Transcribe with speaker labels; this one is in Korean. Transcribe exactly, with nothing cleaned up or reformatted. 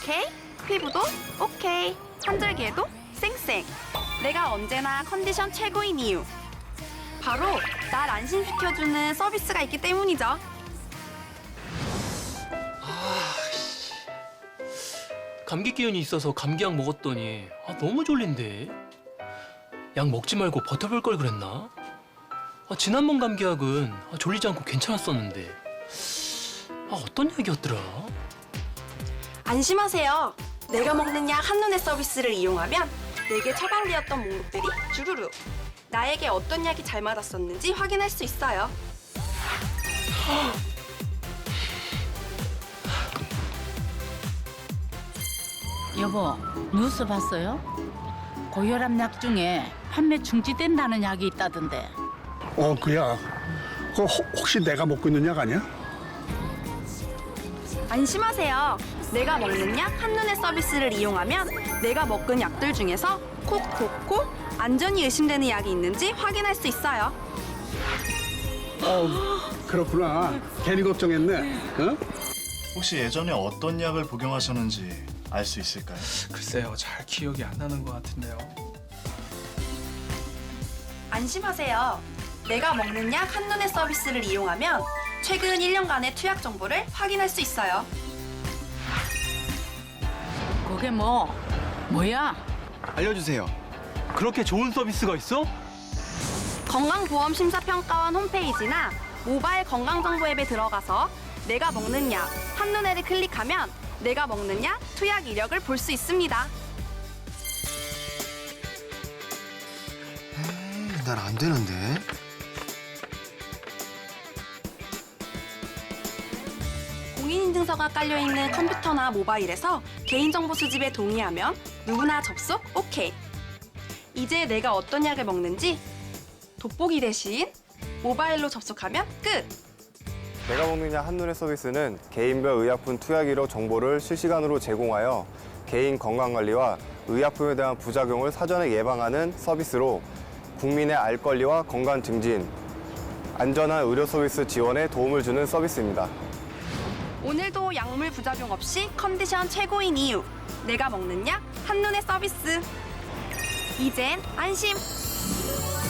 Speaker 1: 오케이. 피부도 오케이. 환절기에도 쌩쌩. 내가 언제나 컨디션 최고인 이유. 바로 날 안심시켜주는 서비스가 있기 때문이죠.
Speaker 2: 감기 기운이 있어서 감기약 먹었더니 아, 너무 졸린데. 약 먹지 말고 버텨볼 걸 그랬나? 아, 지난번 감기약은 아, 졸리지 않고 괜찮았었는데. 아, 어떤 약이었더라?
Speaker 1: 안심하세요. 내가 먹는 약 한눈에 서비스를 이용하면 내게 처방되었던 목록들이 주르륵. 나에게 어떤 약이 잘 맞았었는지 확인할 수 있어요.
Speaker 3: 여보, 뉴스 봤어요? 고혈압 약 중에 판매 중지된다는 약이 있다던데.
Speaker 4: 어, 그야. 그거 혹- 혹시 내가 먹고 있는 약 아니야?
Speaker 1: 안심하세요. 내가 먹는 약 한눈에 서비스를 이용하면 내가 먹은 약들 중에서 콕콕콕 안전이 의심되는 약이 있는지 확인할 수 있어요.
Speaker 4: 어, 그렇구나. 괜히 걱정했네. 응?
Speaker 5: 혹시 예전에 어떤 약을 복용하셨는지 알 수 있을까요?
Speaker 6: 글쎄요, 잘 기억이 안 나는 것 같은데요.
Speaker 1: 안심하세요. 내가 먹는 약 한눈에 서비스를 이용하면 최근 일 년간의 투약 정보를 확인할 수 있어요.
Speaker 3: 그게 뭐, 뭐야?
Speaker 7: 알려주세요. 그렇게 좋은 서비스가 있어?
Speaker 1: 건강보험심사평가원 홈페이지나 모바일 건강정보 앱에 들어가서 내가 먹는 약 한눈에를 클릭하면 내가 먹는 약 투약 이력을 볼 수 있습니다.
Speaker 7: 난 안 되는데.
Speaker 1: 공인인증서가 깔려있는 컴퓨터나 모바일에서 개인정보 수집에 동의하면 누구나 접속 오케이. 이제 내가 어떤 약을 먹는지 돋보기 대신 모바일로 접속하면 끝!
Speaker 8: 내가 먹는 약 한눈에 서비스는 개인별 의약품 투약 이력 정보를 실시간으로 제공하여 개인 건강관리와 의약품에 대한 부작용을 사전에 예방하는 서비스로 국민의 알 권리와 건강 증진, 안전한 의료 서비스 지원에 도움을 주는 서비스입니다.
Speaker 1: 오늘도 약물 부작용 없이 컨디션 최고인 이유. 내가 먹는 약 한눈에 서비스. 이젠 안심!